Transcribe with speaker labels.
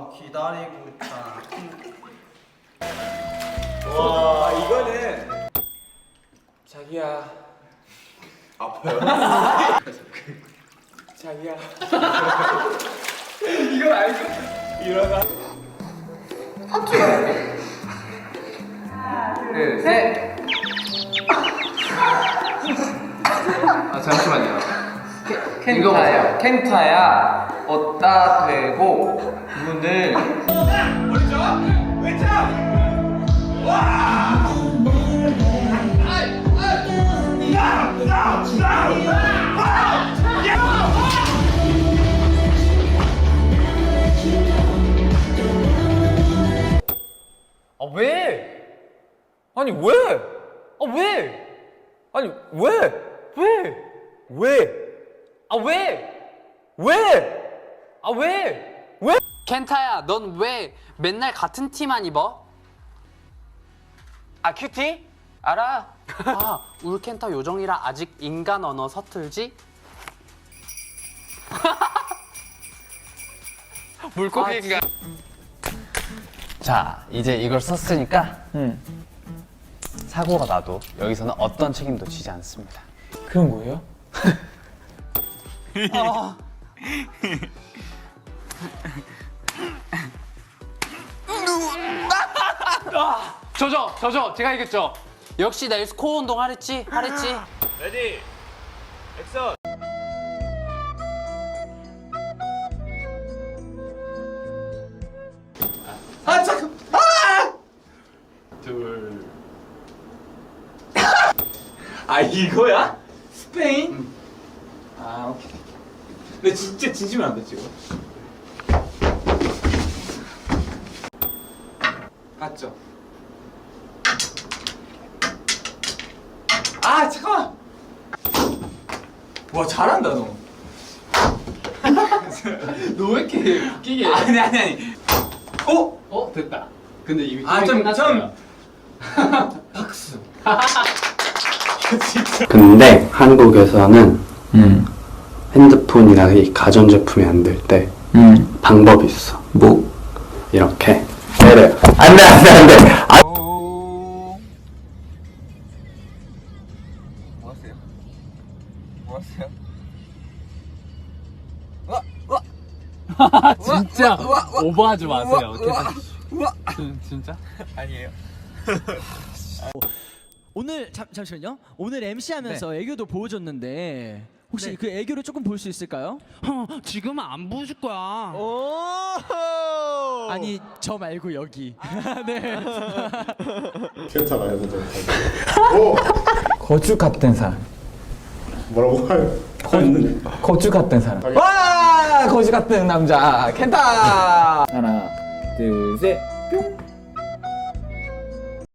Speaker 1: 기다리고 있잖아.
Speaker 2: 와 이거는
Speaker 3: 자기야.
Speaker 2: 아파요?
Speaker 3: 자기야. 이걸 알고 일어나.
Speaker 4: 둘, 셋. 아 잠시만요. 켄타야. 켄타야. 어따 대고 문을.
Speaker 3: 아 왜? 아니 왜? 아 왜? 아니 왜? 왜? 왜? 아 왜? 왜? 아 왜? 왜?
Speaker 5: 켄타야, 넌 왜 맨날 같은 티만 입어?
Speaker 3: 아 큐티? 알아.
Speaker 5: 아, 울 켄타 요정이라 아직 인간 언어 서툴지?
Speaker 3: 물고기인가?
Speaker 6: 자, 이제 이걸 썼으니까 사고가 나도 여기서는 어떤 책임도 지지 않습니다.
Speaker 3: 그건 뭐예요?
Speaker 5: 저죠, 제가 이겼죠. 역시 내일 스코어 운동 하랬지?
Speaker 2: 레디 액션. 아 잠깐.
Speaker 3: 둘.
Speaker 2: 아 이거야? 스페인? 아 오케이. 근데 진짜 진심은 안 돼 지금. 맞죠? 아 잠깐만. 와 잘한다 너.
Speaker 4: 너 왜 이렇게 웃기게?
Speaker 2: 아니. 어?
Speaker 4: 어 됐다. 근데 이미
Speaker 2: 좀
Speaker 4: 끝났어요.
Speaker 2: 박수.
Speaker 7: 근데 한국에서는 핸드폰이나 이 가전제품이 안 될 때 방법이 있어. 뭐? 이렇게 때려. 안돼.
Speaker 4: 진짜 오버하지 마세요. 진짜?
Speaker 8: 오늘 잠시만요. 오늘 MC 하면서 애교도 보여줬는데 혹시 그 애교를 조금 볼 수 있을까요?
Speaker 5: 지금은 안 보여줄 거야.
Speaker 8: 아니 저 말고 여기. 네.
Speaker 9: 괜찮아요, 근데.
Speaker 3: 거주 같은 사람.
Speaker 9: 뭐라고 해요?
Speaker 3: 거주 같은 사람. 와 거주 같은 남자 켄타. 하나 둘 셋. 뿅.